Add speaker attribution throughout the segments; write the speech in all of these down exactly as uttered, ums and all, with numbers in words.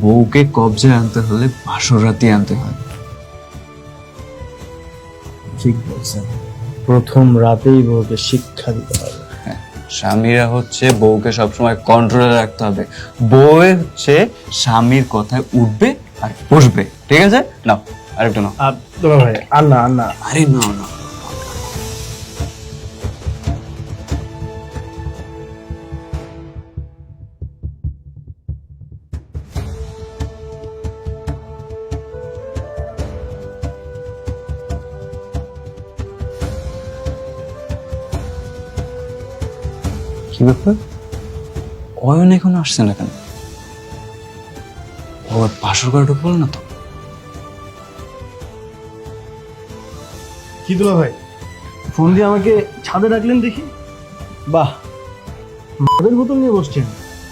Speaker 1: বউকে কবজায় আনতে হলে বাসর রাতে আনতে হয়।
Speaker 2: ঠিক বলছেন, প্রথম রাতেই বউকে শিক্ষা দিতে হবে।
Speaker 1: হ্যাঁ, স্বামীরা হচ্ছে বউকে সবসময় কন্ট্রোলে রাখতে হবে। বউ হচ্ছে স্বামীর কথায় উঠবে আর বসবে। ঠিক আছে, নাও আরেকটা নাও।
Speaker 2: আর দুলা ভাই আর না আর না
Speaker 1: আরে না না কি ব্যাপার, অয়ন এখন আসছে না কেন? ও বাসর ঘরে ঢুকবো না তো?
Speaker 2: কি দুলা ভাই, ফোন দিয়ে আমাকে ছাদে ডাকলেন দেখি। বাহ, মদের বোতল নিয়ে বসছেন।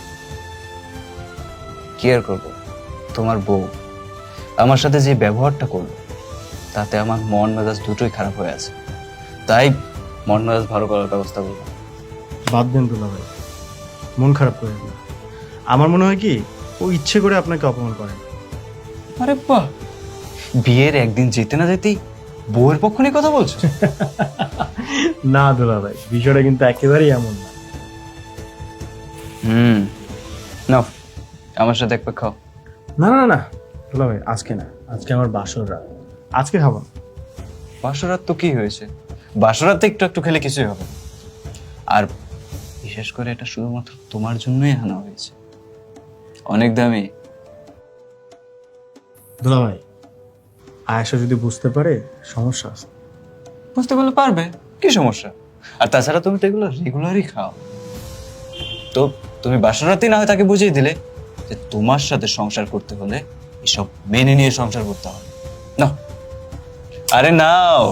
Speaker 1: কি আর করবো, তোমার বউ আমার সাথে যে ব্যবহারটা করলো তাতে আমার মন মেজাজ দুটোই খারাপ হয়ে আছে। তাই মন মেজাজ ভালো করার ব্যবস্থা করবো।
Speaker 2: বাদ দেন দুলা ভাই, মন খারাপ করেন না। আমার মনে হয় কি ও ইচ্ছে করে আপনাকে অপমান করেন।
Speaker 1: আরে বাহ, বিয়ের একদিন যেতে না যেতেই বউয়ের পক্ষ নিয়ে কথা বলছো?
Speaker 2: না দুলা ভাই, বিষয়টা কিন্তু একেবারেই এমন না।
Speaker 1: হুম, নাও আমার সাথে এক পাক খাও।
Speaker 2: না না না দুলা ভাই, আজকে না, আজকে আমার বাসর রাত, আজকে খাবো না।
Speaker 1: বাসরাত তো কি হয়েছে, বাসরাতে একটু একটু খেলে কিছুই হবে না। আর বিশেষ করে এটা শুধুমাত্র তোমার জন্যই আনা হয়েছে, অনেক দামি।
Speaker 2: দুলা ভাই, আয়েশা যদি বুঝতে পারে সমস্যা আছে।
Speaker 1: বুঝতে পারলে পারবে, কি সমস্যা? আর তাছাড়া তুমি তো এগুলো রেগুলারই খাও। তো তুমি বাসরাতেই না হয় তাকে বুঝিয়ে দিলে যে তোমার সাথে সংসার করতে হলে এসব মেনে নিয়ে সংসার করতে হবে। নাও, আরে নাও।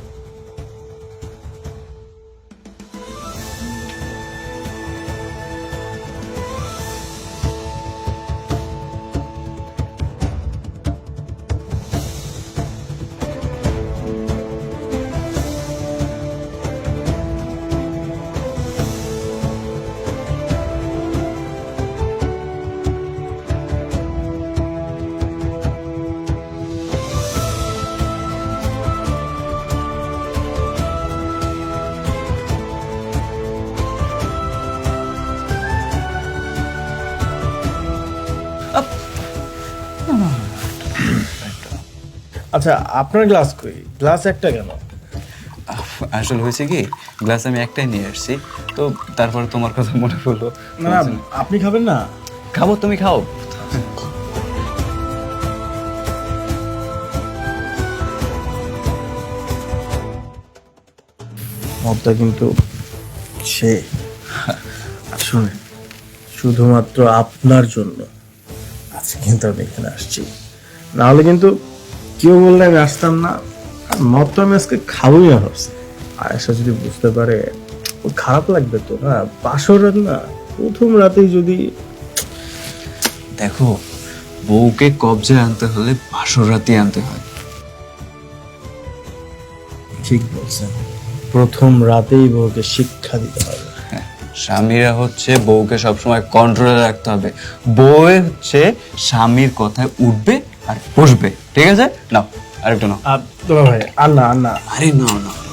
Speaker 2: আচ্ছা, আপনার গ্লাস কই? গ্লাস একটা কেন?
Speaker 1: আসলে হয়েছে কি, গ্লাস আমি একটাই নিয়ে আসছি, তো তারপরে তোমার কথা মনে পড়লো।
Speaker 2: না না, আপনি খাবেন না?
Speaker 1: খাবো, তুমি খাও।
Speaker 2: মদটা কিন্তু সে শুনে শুধুমাত্র আপনার জন্য আজকে কিন্তু আমি এখানে আসছি, না হলে কিন্তু কেউ বললে আমি আসতাম না। আর মদটা আমি আজকে খাবোই না ভাবছি। আয়েশা যদি বুঝতে পারে ওর খারাপ লাগবে তো না। বাসর রাত না, প্রথম রাতেই যদি।
Speaker 1: দেখো, বউকে কবজায় আনতে হলে বাসর রাতে আনতে হয়।
Speaker 2: ঠিক বলছেন, প্রথম রাতেই বউকে শিক্ষা দিতে হবে।
Speaker 1: হ্যাঁ, স্বামীরা হচ্ছে বউকে সবসময় কন্ট্রোলে রাখতে হবে। বউ হচ্ছে স্বামীর কথায় উঠবে আর বসবে। ঠিক আছে, নাও আরেকটা নাও।
Speaker 2: আর দুলা ভাই আর না আর না
Speaker 1: আরে না না